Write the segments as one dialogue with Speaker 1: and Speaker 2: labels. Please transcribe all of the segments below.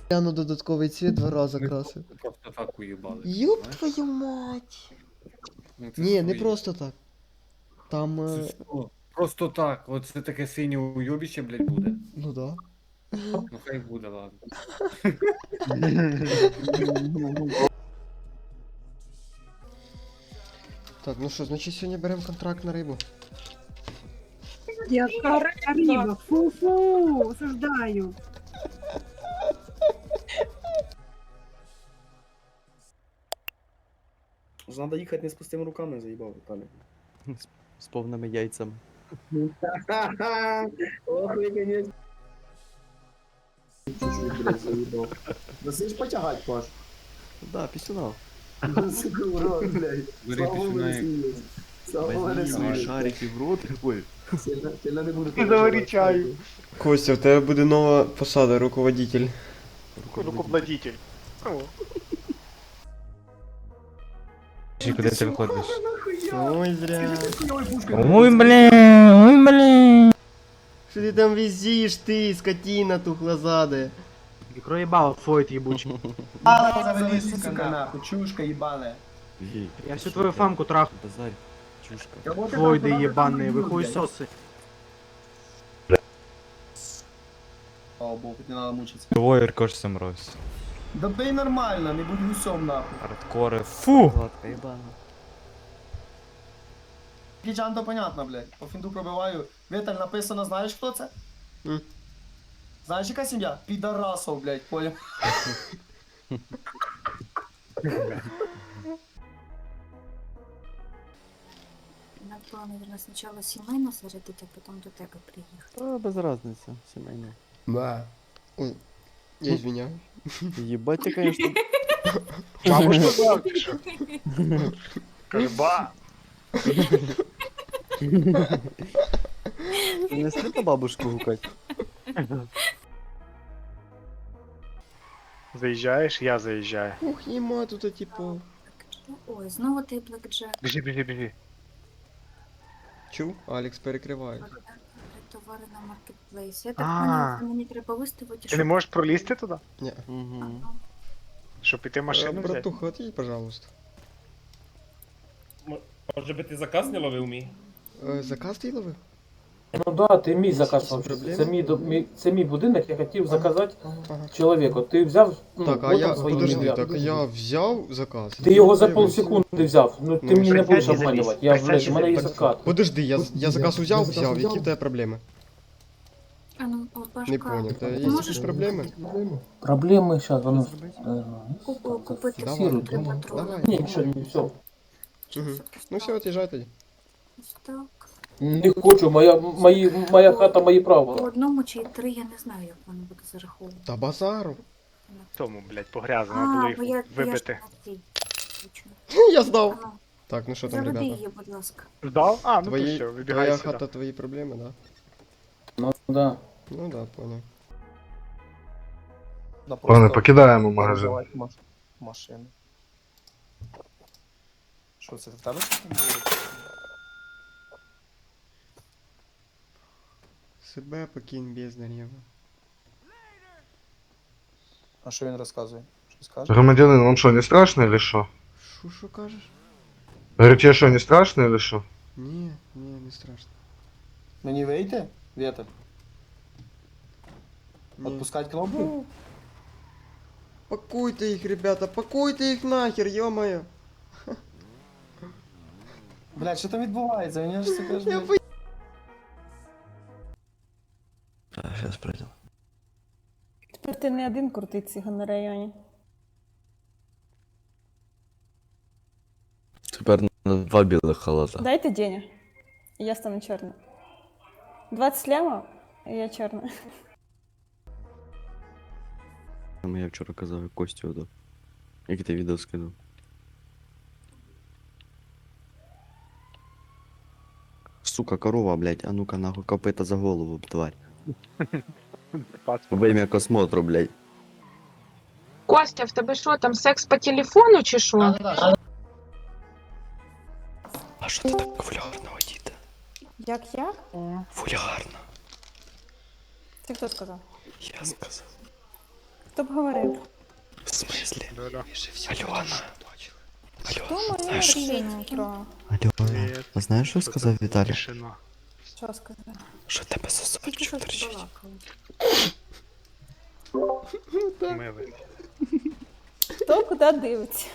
Speaker 1: Я на додатковий цвіт 2 рази
Speaker 2: Ми
Speaker 1: красив.
Speaker 2: просто так уїбали.
Speaker 1: Ёб
Speaker 2: знаєш?
Speaker 1: твою мать!
Speaker 2: Ну, це
Speaker 1: Ні, не
Speaker 2: свої.
Speaker 1: просто так. Там,
Speaker 2: Це що? Просто так. Оце таке синє уйобіще, блядь, буде.
Speaker 1: ну да.
Speaker 2: Ну хай буде, ладно.
Speaker 1: Так, ну що, значить сьогодні беремо контракт на рибу.
Speaker 3: Яка риба, фу-фу, осуждаю.
Speaker 4: Надо їхати не з пустими руками, заїбав, Віталій.
Speaker 5: З повними яйцями.
Speaker 4: Ох, ви, конечно. Чуть-чуть, блядь, заїбав. Насиш потягать, Паш.
Speaker 5: Да, пісюнав.
Speaker 4: Урод, блядь.
Speaker 2: Бери
Speaker 4: Слава Богу,
Speaker 2: пісюна
Speaker 4: не
Speaker 2: як-
Speaker 4: смієш. Слава Богу, не
Speaker 5: Возьми свої
Speaker 4: смієш.
Speaker 5: шарики в рот. Ой.
Speaker 4: Сильно не буду.
Speaker 6: І заварі чаю.
Speaker 1: Костя, в тебе буде нова посада, руководитель.
Speaker 6: Руководитель.
Speaker 7: Куди ти виходиш?
Speaker 1: Ой, зря.
Speaker 7: Ой, бля, ой, бля.
Speaker 1: Що ти там візиш, ти, скотина тухлозаде?
Speaker 8: Микроебало, фойт ебучий.
Speaker 4: Завали, сука, нахуй, чушка ебаная.
Speaker 5: Ей,
Speaker 8: Я всю твою фамку трахну.
Speaker 5: базарь. Чушка.
Speaker 8: Флойды ебаные, вы хуесосы.
Speaker 4: Слава Богу, не надо мучиться.
Speaker 7: Двоє ркошся мразь.
Speaker 4: Да бей нормально, не будь гусем, нахуй.
Speaker 7: Хардкори. Фу!
Speaker 5: Гладка ебана.
Speaker 4: Гіджан, то понятно, блядь. По фінду пробиваю. Віталь, написано, знаєш хто це?
Speaker 1: М.
Speaker 4: Знаєш, яка сім'я? Підарасов, блядь, понял?
Speaker 9: Надо было, наверное, сначала семейно зарядить, а потом до тебе приехать.
Speaker 5: А, без разницы, сімейно.
Speaker 1: Да. Ой, я извиняюсь.
Speaker 5: Ебать, я, конечно,
Speaker 6: Бабушка сказав, ти що? Каже, ба!
Speaker 5: ты не слід на бабушку гукать.
Speaker 6: Заїжджаєш, я заїжджаю.
Speaker 1: Ух, нема тут, типу.
Speaker 9: Ой, знову ти Blackjack.
Speaker 6: Біжи, біжи, біжи.
Speaker 1: Чув? Алекс перекриває.
Speaker 9: Товари на маркетплейсі. Я так
Speaker 6: А.
Speaker 9: поняла, що мені треба виставити,
Speaker 6: Ти не можеш пролізти туди?
Speaker 1: Ні.
Speaker 5: Угу.
Speaker 6: Щоб піти машину взяти?
Speaker 1: Братуха, отъедь, пожалуйста.
Speaker 10: Може би ти заказ не ловив мій?
Speaker 1: Заказ ти ловив?
Speaker 8: Ну да, ти мій заказ.
Speaker 1: Проблеми?
Speaker 8: Це мій будинок, я хотів заказати
Speaker 1: Ага.
Speaker 8: чоловіку. Ти взяв,
Speaker 1: Так, а я, подожди, так я взяв заказ.
Speaker 8: Ти його за
Speaker 1: Дивився.
Speaker 8: полсекунди взяв. Ну ти
Speaker 1: Ну,
Speaker 8: мені не
Speaker 6: присядь
Speaker 8: будеш
Speaker 6: і залізь.
Speaker 8: обманювати. Я, блядь, у мене є
Speaker 1: Так,
Speaker 8: закат.
Speaker 1: Подожди, я заказ взяв, які в тебе проблеми?
Speaker 9: А ну, от Пашка,
Speaker 1: Не понял, та є
Speaker 9: ти
Speaker 1: якісь
Speaker 9: можеш
Speaker 1: проблеми?
Speaker 8: Проблеми зараз, воно...
Speaker 9: купити
Speaker 1: Давай,
Speaker 9: три
Speaker 1: давай.
Speaker 9: патрони?
Speaker 8: Ні, нічого, не все.
Speaker 1: Угу. Ну все, от'їжджай тоді.
Speaker 9: Ось так.
Speaker 8: Не хочу, моя хата, мої
Speaker 9: По
Speaker 8: правила.
Speaker 9: одному чи три, я не знаю, як воно буде зараховувати.
Speaker 1: Та базару.
Speaker 6: Тому, блядь, погрязано було
Speaker 9: бо я
Speaker 6: їх
Speaker 9: ж
Speaker 6: вибити.
Speaker 9: на цій. Точно.
Speaker 1: Я здав.
Speaker 9: Ага.
Speaker 1: Так, ну що там,
Speaker 9: Заведи
Speaker 1: ребята?
Speaker 9: її, будь ласка.
Speaker 6: Ждав? А, ну то
Speaker 1: Твої,
Speaker 6: все, вибігай
Speaker 1: твоя
Speaker 6: сюди.
Speaker 1: хата, твої проблеми, да?
Speaker 8: Ну да.
Speaker 1: Ну да, понял.
Speaker 4: Ладно,
Speaker 10: покидаємо магазин.
Speaker 4: Машину. Що це в тебе?
Speaker 1: Себе покинь без нарєва.
Speaker 4: А що він розказує? Що скаже?
Speaker 10: Громадянин, вам що, не страшно или що?
Speaker 1: Що кажеш?
Speaker 10: Говорю, тебе що, не страшно или що?
Speaker 1: Ні, не страшно.
Speaker 4: Мені вийти? Віталь?
Speaker 1: Ні.
Speaker 4: Отпускать кнопку?
Speaker 1: Пакуйте їх, ребята, пакуйте їх нахер, ё-моё.
Speaker 4: Блядь, що там відбувається? Мені ж це каже,
Speaker 1: Я
Speaker 4: блядь.
Speaker 5: Сейчас пройдем.
Speaker 3: Тепер ти не один крутий циган на районі.
Speaker 5: Тепер на 2 білих халата.
Speaker 3: Дайте денег, і я стану чорною. 20 лямов, і я чорна.
Speaker 5: Я вчора казав, як Костю отдав. Як ти відео скинув. Сука, корова, блядь, а ну-ка нахуй, копита за голову, тварь. Во ім'я космотру, блядь.
Speaker 11: Костя, в тебе що, там секс по телефону чи що?
Speaker 5: А що ти так вульгарно одіта?
Speaker 3: Як?
Speaker 5: Вульгарно.
Speaker 3: Це хто сказав?
Speaker 5: Я сказав.
Speaker 3: Хто б говорив?
Speaker 5: В смислі?
Speaker 6: Да-да.
Speaker 5: Альона.
Speaker 3: Хто моє рішення трогав?
Speaker 5: Альона. А знаєш, що сказав Віталій?
Speaker 6: Тишина.
Speaker 3: Що сказав?
Speaker 5: Що тебе сосочок торчить.
Speaker 6: Милий.
Speaker 3: Хто куди дивиться?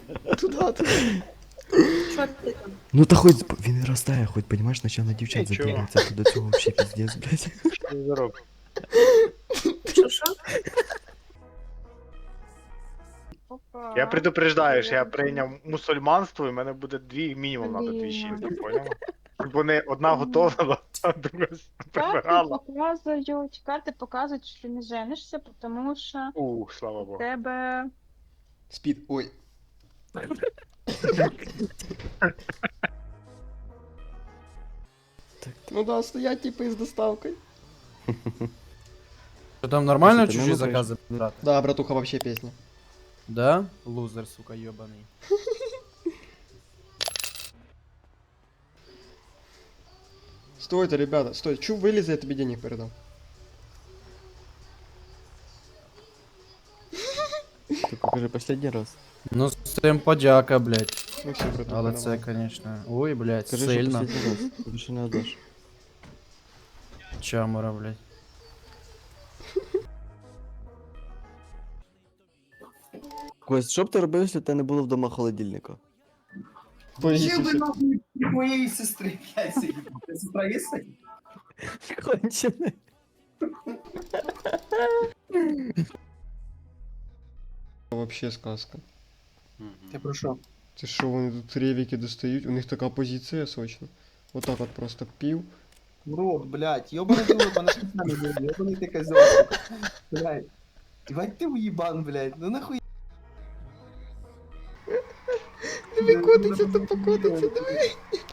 Speaker 9: Що ти там?
Speaker 5: Ну та хоч він ростає, хоч понімаєш, начало дівчат
Speaker 6: Нічого.
Speaker 5: задивиться, то до цього взагалі піздець, блядь.
Speaker 6: Що ти заробив?
Speaker 9: Що?
Speaker 6: Я предупреждаю, що я прийняв мусульманство, і в мене буде мінімум надо дві жінки, поняла? Щоб вони одна готова, а друга прибирала.
Speaker 11: Карти показують, що не женишся, тому що
Speaker 6: Слава
Speaker 11: в
Speaker 6: Богу.
Speaker 11: тебе
Speaker 1: Спід. Ой. Ну да, стоять типа із доставкою.
Speaker 5: Що там нормально
Speaker 7: чужі
Speaker 5: закази?
Speaker 1: Да, братуха, вообще песня.
Speaker 5: Да? Лузер, сука, ёбаний.
Speaker 1: Стойте, ребята, стой. Чу вылезай, я тебе денег передам.
Speaker 5: Тільки кажи последній раз.
Speaker 7: Ну, з цим подяка, блядь.
Speaker 1: Ну все, братуха,
Speaker 7: Але
Speaker 1: давай.
Speaker 7: це, конечно. Ой, блядь,
Speaker 5: Скажи, що
Speaker 7: сильно.
Speaker 5: последній раз. Більше не отдаш.
Speaker 7: Чамора, блядь.
Speaker 5: Кость, що б ти робив, якщо в тебе не було вдома холодильника?
Speaker 1: Повісився.
Speaker 4: Чим би нахуй моєї сестри, блядь, сидіти? Сестра є сидіти?
Speaker 5: Кончене.
Speaker 1: Вообще сказка.
Speaker 4: Ти про що?
Speaker 1: Ти що, вони тут ревіки достають? У них така позиція сочна. Вот так от просто пів.
Speaker 4: Рот, блядь, ёбаный ты рот, она с нами будет, ёбаный ты козёл. Блядь. Ебать ты уебан, блядь, ну нахуй.
Speaker 1: Диви, котиться, то покотиться, диви.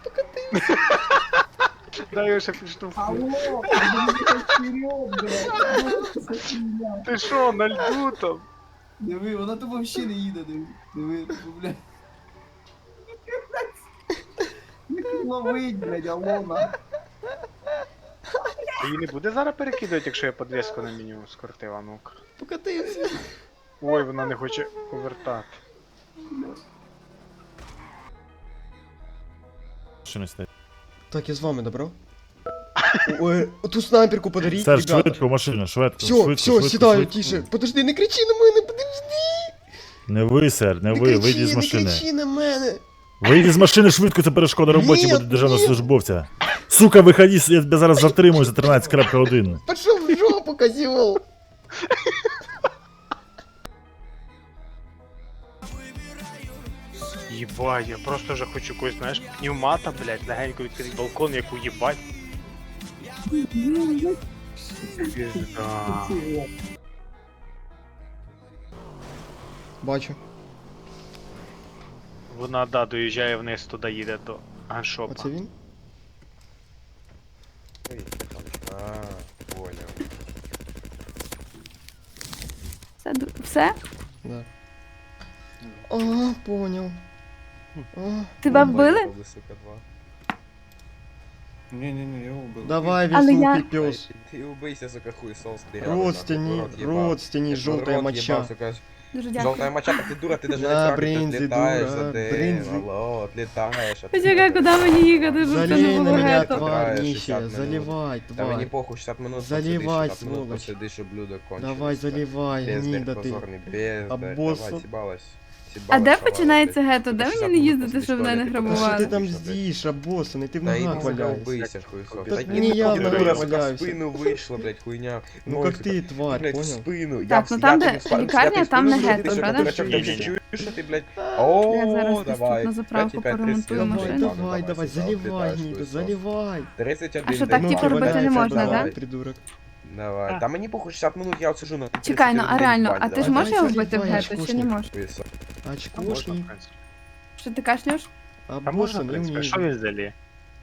Speaker 6: Дай я ще підштовхну.
Speaker 4: Алло, вперед, блядь.
Speaker 6: Ти що, на льду там?
Speaker 4: Диви, вона тут вообще не їде, диви, блядь. Як ловить, блядь, алло, на.
Speaker 6: Її не буде зараз перекидувати, якщо я подвіску на меню скрутила, ну-ка.
Speaker 1: Покотився.
Speaker 6: Ой, вона не хоче повертати.
Speaker 1: Так, я з вами, добро? Ой, ту снайперку подаріть,
Speaker 7: Серж,
Speaker 1: ребята.
Speaker 7: швидко, машина, швидко.
Speaker 1: Все, все, сідаю, тише. Подожди, не кричи на мене, подожди.
Speaker 7: Не ви, сер, не
Speaker 1: Не
Speaker 7: ви,
Speaker 1: кричи,
Speaker 7: вийдіть з
Speaker 1: не
Speaker 7: машини.
Speaker 1: кричи на мене.
Speaker 7: Вийдіть з машини швидко, це перешкода роботі
Speaker 1: Ні,
Speaker 7: буде державного
Speaker 1: ні.
Speaker 7: службовця. Сука, виходи, я тебе зараз затримую за 13.1.
Speaker 1: Пошел в жопу, козел.
Speaker 6: Єбать, я просто вже хочу когось, знаєш, пневмата, блядь, легенько відкрити балкон, як уїбать. Пізда.
Speaker 1: Бачу.
Speaker 6: Вона, да, доїжджає вниз, туди їде до ганшопа.
Speaker 1: Оце він?
Speaker 3: Все?
Speaker 1: Да. А, понял. А,
Speaker 3: Тебе вбили?
Speaker 2: Не-не-не, я убил.
Speaker 1: давай,
Speaker 3: Але я-
Speaker 1: веснухий пес.
Speaker 10: Ты убейся, сука, хуесос.
Speaker 1: Родственни, желтая моча.
Speaker 3: Дуже дякую.
Speaker 10: Желтая моча, ты дура, ты даже
Speaker 1: Да,
Speaker 10: на тракторе
Speaker 1: брынзи,
Speaker 10: отлетаешь
Speaker 1: дура,
Speaker 10: за день.
Speaker 1: брынзи.
Speaker 10: Алло, отлетаешь.
Speaker 3: Почекай, куди мені їхати, щоб це не
Speaker 1: Залей на
Speaker 3: було
Speaker 1: меня,
Speaker 3: гетто.
Speaker 1: тварь,
Speaker 10: Играешь
Speaker 1: нищая,
Speaker 10: 60 минут.
Speaker 1: заливай,
Speaker 10: Да мне
Speaker 1: тварь.
Speaker 10: похуй, 60 минут
Speaker 1: Заливай,
Speaker 10: посидишь, 60 минут
Speaker 1: сволочь.
Speaker 10: посидишь, и блюдо кончилось.
Speaker 1: Давай, заливай,
Speaker 10: Бездарь
Speaker 1: гнида ты.
Speaker 10: позорный, бездарь.
Speaker 1: Обоссал.
Speaker 10: Давай, съебалась.
Speaker 3: А де
Speaker 10: Съебалась,
Speaker 3: починається
Speaker 10: шалава,
Speaker 3: гетто? Де
Speaker 10: блядь.
Speaker 3: мені не
Speaker 10: 60
Speaker 3: їздити,
Speaker 10: минут
Speaker 3: щоб
Speaker 10: посидишь,
Speaker 3: мене
Speaker 10: туалет,
Speaker 1: А
Speaker 3: грабували?
Speaker 1: что ты там
Speaker 10: блядь.
Speaker 1: здишь, обоссанный? Ты в
Speaker 10: Да иди,
Speaker 1: ногах
Speaker 10: сука,
Speaker 1: валяешься.
Speaker 10: убейся, хуесос.
Speaker 1: Так
Speaker 10: Да
Speaker 1: не
Speaker 10: иди,
Speaker 1: я в
Speaker 10: ты
Speaker 1: ногах
Speaker 10: дура, сука, в
Speaker 1: валяюсь.
Speaker 10: спину вышла, блядь, хуйня.
Speaker 1: Ну
Speaker 10: Ой,
Speaker 1: как
Speaker 10: сука.
Speaker 1: ты, тварь,
Speaker 10: Блядь, в
Speaker 1: понял?
Speaker 10: спину.
Speaker 3: Так, ну там, де лікарня, там не гетто, правда?
Speaker 10: Дурачок,
Speaker 6: Ні,
Speaker 10: ти
Speaker 6: ні, ні.
Speaker 10: чуєш, що ти, блядь?
Speaker 3: Я
Speaker 10: О,
Speaker 3: зараз
Speaker 10: давай.
Speaker 3: на заправку
Speaker 10: 5,5,
Speaker 3: поремонтую
Speaker 10: 30,
Speaker 3: машину.
Speaker 1: Давай, давай, заливай, гнида, заливай.
Speaker 10: 31.
Speaker 3: А що, так,
Speaker 10: день.
Speaker 3: типу, робити не можна,
Speaker 1: давай,
Speaker 3: да?
Speaker 1: придурок.
Speaker 10: Давай. Та мені похуй 60 минут, я от сижу на...
Speaker 3: Чекай, ну а реально, а ти ж
Speaker 1: Давай,
Speaker 3: можеш його вбити в
Speaker 1: заливай,
Speaker 3: гетто, чи не
Speaker 1: очкушник.
Speaker 3: можеш?
Speaker 6: Можна,
Speaker 1: Очкошник,
Speaker 6: в принципі.
Speaker 3: Що ти кашлюєш?
Speaker 6: Та можна, в
Speaker 1: обоссанный,
Speaker 6: принципі, що
Speaker 1: униженный.
Speaker 6: він залі?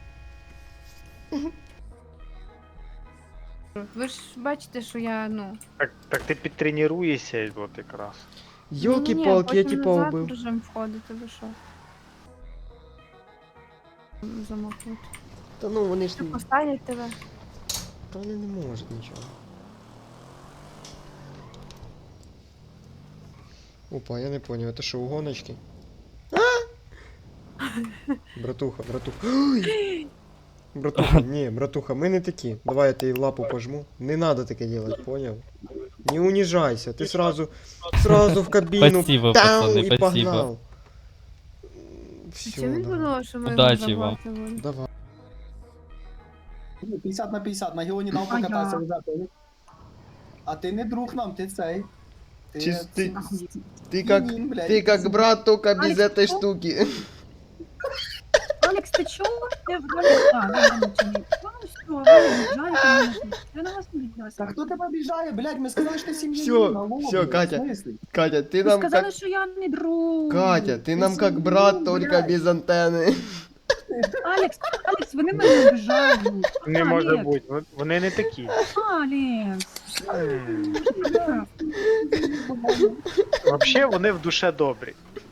Speaker 11: Ви ж бачите, що я, ну...
Speaker 6: Так ти підтренуєшся, от якраз.
Speaker 1: Ёлки-палки, я типа убил.
Speaker 11: режим входити, ви що? Замокнуть.
Speaker 1: Та ну вони ж...
Speaker 11: Поставлять тебе.
Speaker 1: Та вони не можуть нічого. Опа, я не понял, это что, угоночки? Братуха, братуха. Ой! Братуха, не, братуха, мы не такі. Давай я тебе лапу пожму. Не надо таке делать, понял? Не унижайся, ты сразу в кабину.
Speaker 12: Спасибо,
Speaker 1: тау,
Speaker 12: пацаны,
Speaker 1: и
Speaker 12: спасибо.
Speaker 1: погнал. Все, давай.
Speaker 12: Удачі вам.
Speaker 1: Давай.
Speaker 4: 50 на 50, на Геоні нам покатайся, ребята. А ти не друг нам, ти цей.
Speaker 1: Ты как брат, только без
Speaker 3: Алекс,
Speaker 1: этой
Speaker 3: что?
Speaker 1: штуки.
Speaker 3: Алекс, ты чё? Я в роли... А, ну, ну, все, я на вас не виделась.
Speaker 4: Та хто тебе обіжає, блядь, ми сказали, що ти сім'я.
Speaker 1: Всё, Катя. Катя, ты
Speaker 3: Ви
Speaker 1: нам
Speaker 3: сказали,
Speaker 1: как...
Speaker 3: що я не друг.
Speaker 1: Катя, ты нам как брат, только без антенны.
Speaker 3: Алекс, вони мене обіжають.
Speaker 6: Не може
Speaker 3: Алекс,
Speaker 6: бути, вони не такі.
Speaker 3: Алекс.
Speaker 6: Взагалі вони в душе добрі.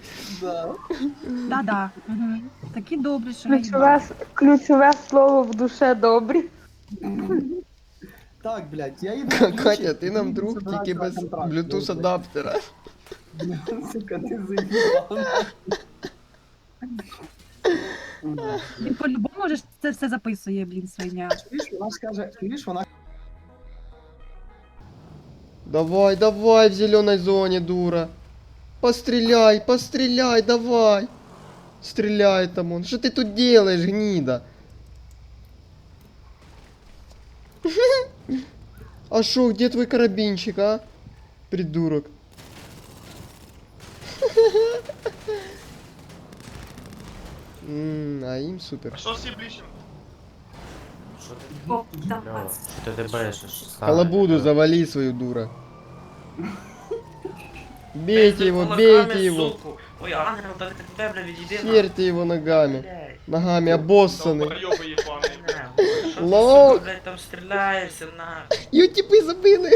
Speaker 3: Да-да. Угу. Такі добрі, що я їбаю.
Speaker 11: Ключове слово в душе добрі.
Speaker 4: Так, блядь, я їду.
Speaker 1: Катя, ты нам друг, тільки без Bluetooth адаптера.
Speaker 4: Сука, ти заїбав.
Speaker 3: Він по-любому же це все записує, блін, свиня.
Speaker 4: Чуєш, вона
Speaker 1: Давай, давай в зеленой зоне, дура. Постреляй, давай. Стреляй там он. Что ты тут делаешь, гнида? А шо, где твой карабинчик, а? Придурок. А им супер.
Speaker 9: Ти дебешиш.
Speaker 1: Халабуду завали свою, дура. Бейте его.
Speaker 10: Ой, ангел, та ти тебе, бля, відійди.
Speaker 1: Херьте его ногами. Ногами обоссаны.
Speaker 10: Що
Speaker 1: Лох.
Speaker 10: ти, блядь, там стріляєшся, на.
Speaker 1: Ее типы забыли.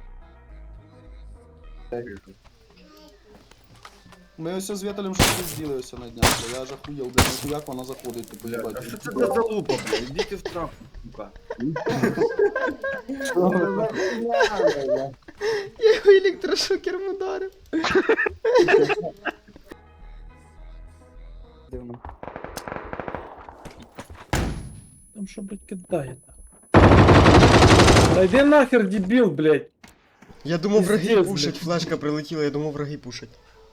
Speaker 4: Ми ось з Віталем щось зробили ось на днях. Я аж охуєв, блядь, як вона заходить, типу, їбать.
Speaker 2: Що це за залупа, блядь? Ідіть в трап, сука.
Speaker 1: Я его электрошокером ударил.
Speaker 8: Там що, блядь, кидає? Та йди нахер, дебіл, блядь.
Speaker 1: Я думал, враги
Speaker 8: Пиздец,
Speaker 1: пушать.
Speaker 8: блядь.
Speaker 1: Флешка прилетела, я думал, враги пушать.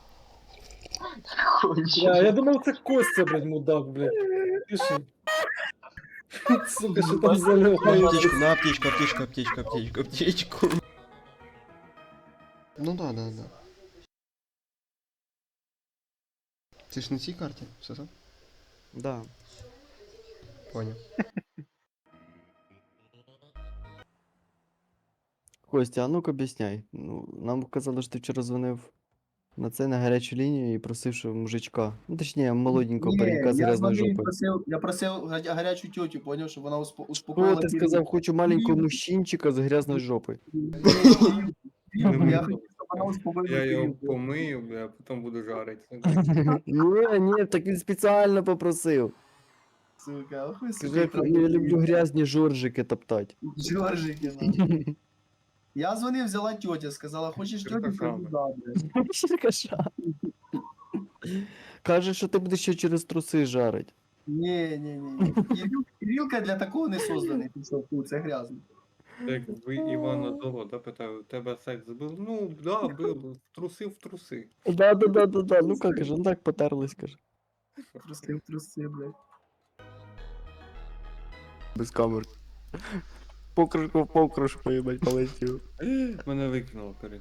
Speaker 8: Я думав, це Костя, блядь, мудак, блядь. Пиши. Сука, що там заливає?
Speaker 1: На аптечку. Ну да. Ты ж на цій карте, все так?
Speaker 5: Да.
Speaker 1: Понял.
Speaker 5: Костя, а ну-ка об'ясняй. Ну, нам казали, що ти вчора дзвонив на це, на гарячу лінію і просив, що мужичка. Ну, точніше, молоденького паренька з грязною жопою.
Speaker 4: Я просив гарячу тьотю, поняв, щоб вона
Speaker 5: Що
Speaker 4: успокоїла.
Speaker 5: ти сказав, хочу маленького мужчинчика з грязною жопою.
Speaker 4: Я хотів, щоб вона успокоїла.
Speaker 2: Я його помию, бля, а потім буду жарити.
Speaker 5: Ні, так він спеціально попросив.
Speaker 4: Сука, охуй,
Speaker 5: Скажи, я люблю грязні жоржики топтати.
Speaker 4: Жоржики, нахуй. Я дзвонив, взяла тьотя, сказала, хочеш тьотю?
Speaker 2: Черкаша.
Speaker 4: Кажу, да, блядь.
Speaker 5: Черкаша. Каже, що ти будеш ще через труси жарить.
Speaker 4: Ні. Кирилка для такого не созданий, ти що, фу, це грязно.
Speaker 2: Так, ви Івана Дого, да, питаю, у тебе секс був? Ну, да, був, в труси.
Speaker 5: Да. Ну як каже, ну так потерлись, каже.
Speaker 4: Труси, блядь.
Speaker 5: Без камер. Покришку в покришку, їбать, полетів.
Speaker 2: Мене викинуло перед.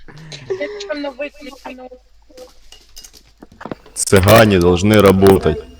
Speaker 11: Якщо не виключено.
Speaker 7: Цыгане должны работать.